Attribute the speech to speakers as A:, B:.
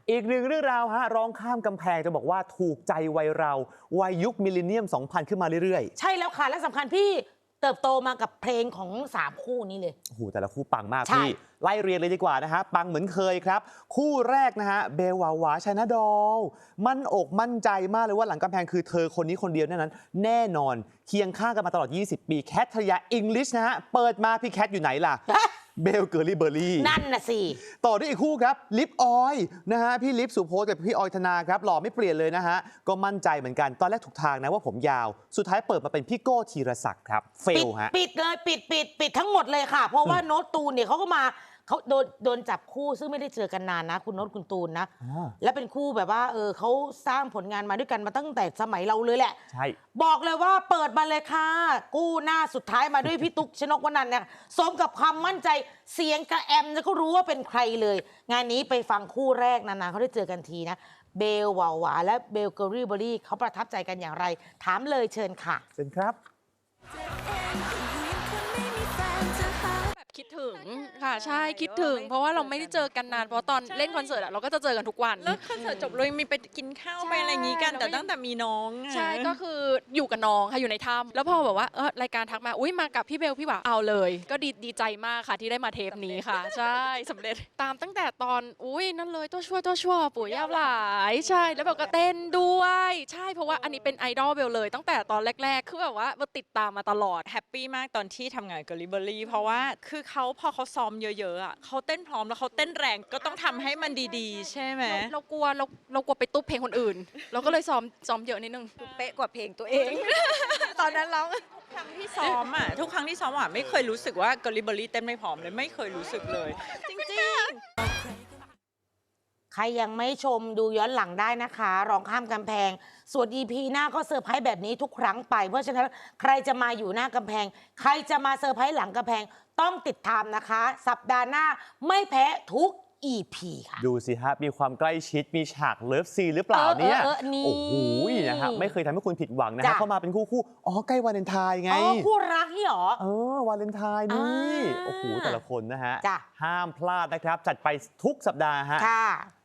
A: อีกหนึ่งเรื่องราวฮะร้องข้ามกำแพงจะบอกว่าถูกใจวัยเราวัยยุคมิลเลนเนียม 2000 ขึ้นมาเรื่อย
B: ใช่แล้วค่ะ และสำคัญพี่เติบโตมากับเพลงของ3คู่นี้เลย
A: ๆโอ้โหแต่ละคู่ปังมาก
B: ใช่
A: พี่ไล่เรียนเลยดีกว่านะฮะปังเหมือนเคยครับ คู่แรกนะฮะเบลวาวาชนะดอลมั่นอกมั่นใจมากเลยว่าหลังกำแพงคือเธอคนนี้คนเดียวนั้นแน่นอนเคียงข้างกันมาตลอด 20 ปีแคทธริยาอิงลิชนะฮะเปิดมาพี่แคทอยู่ไหนล่ะเบลเกอรี่เบอร์รี่
B: นั่นน่ะสิ
A: ต่อด้วยอีกคู่ครับลิปออยนะฮะพี่ลิปสุโพสกับพี่ออยธนาครับหล่อไม่เปลี่ยนเลยนะฮะก็มั่นใจเหมือนกันตอนแรกถูกทางนะว่าผมยาวสุดท้ายเปิดมาเป็นพี่โก้ธีรศักดิ์ครับเฟลฮะ
B: ปิดเลยปิดทั้งหมดเลยค่ะ เพราะว่าโน้ตตูนเนี่ยเขาก็มาเขาโดนจับคู่ซึ่งไม่ได้เจอกันนานนะ คุณโน้ตคุณตูนนะ และเป็นคู่แบบว่าเขาสร้างผลงานมาด้วยกันมาตั้งแต่สมัยเราเลยแหละ
A: ใช่
B: บอกเลยว่าเปิดมาเลยค่ะ กู้หน้าสุดท้ายมาด้วยพี่ตุ๊กชนกวนันท์เนี่ยสมกับความมั่นใจเสียงกระแอมจะก็รู้ว่าเป็นใครเลย งานนี้ไปฟังคู่แรกนานๆเขาได้เจอกันทีนะเบลวาวาและเบลเกอรี่เบอรี่เขาประทับใจกันอย่างไร ถามเลยเชิญค่ะ
A: เชิญครับ
C: แบบคิดถึงค่ะใช่คิดถึง เพราะว่าเราไม่ได้เจอกันนานเพราะตอนเล่นคอนเสิร์ตอะเราก็จะเจอกันทุกวัน
D: แล้วคอนเสิร์ตจบเลยมีไปกินข้าว
C: ใช่
D: ไปอะไรอย่างงี้กัน แต่
C: แล้วก็
D: ตั้งแต่มีน้องอะ
C: ใช่ก็คืออยู่กับน้องค่ะอยู่ในถ้ำแล้วพอแบบว่ารายการทักมาอุ้ยมากับพี่เบลพี่หวาเอาเลย ก็ดีใจมากค่ะที่ได้มาเทปนี้ค่ะ ใช่สำเร็จตามตั้งแต่ตอนอุ้ยนั่นเลยตัวชั่วปู่ย่าหลายใช่แล้วเบลก็เต้นด้วยใช่เพราะว่าอันนี้เป็นไอดอลเบลเลย ตั้งแต่ตอนแรกๆคือแบบว่าเบลติดตามมาตลอด
D: แฮปปี้มากตอนที่ทำงานกับลิเบอรี่เพราะว่าคือเขาพอเขาซ้อมเยอะๆอ่ะเขาเต้นพร้อมแล้วเขาเต้นแรงก็ต้องทำให้มันดีๆ ใช่ไหม
C: เรากลัวไปตุ๊บเพลงคนอื่น เราก็เลยซ้อมเยอะนิดนึง
E: เป๊ะกว่าเพลงตัวเอง ตอนนั้นร้อง
D: ทุกครั้งที่ซ้อมอ่ะทุกครั้งที่ซ้อมอ่ะไม่เคยรู้สึกว่ากับลิเบอรี่เต้นไม่พร้อมเลยไม่เคยรู้สึกเลย จริง
B: ใครยังไม่ชมดูย้อนหลังได้นะคะร้องข้ามกำแพง ส่วน EP หน้าก็เซอร์ไพรส์แบบนี้ทุกครั้งไป เพราะฉะนั้นใครจะมาอยู่หน้ากำแพง ใครจะมาเซอร์ไพรส์หลังกำแพงต้องติดตามนะคะ สัปดาห์หน้าไม่แพ้ทุก EP ค่ะ
A: ดูสิฮะมีความใกล้ชิดมีฉากเลิฟซีนหรือเปล่าเนี่ย
B: นี่
A: โอ้โหนะฮะไม่เคยทำให้คุณผิดหวังนะฮะ
B: จ้ะ
A: เข้ามาเป็นคู่อ๋อใกล้วาเลนไทน์ไง
B: อ๋อคู่รักนี่หรอ
A: วาเลนไทน์นี่
B: อ่า
A: โอ้โหแต่ละคนนะฮะ
B: จ้ะ
A: ห้ามพลาดนะครับจัดไปทุกสัปดาห์ฮะ
B: ค่ะ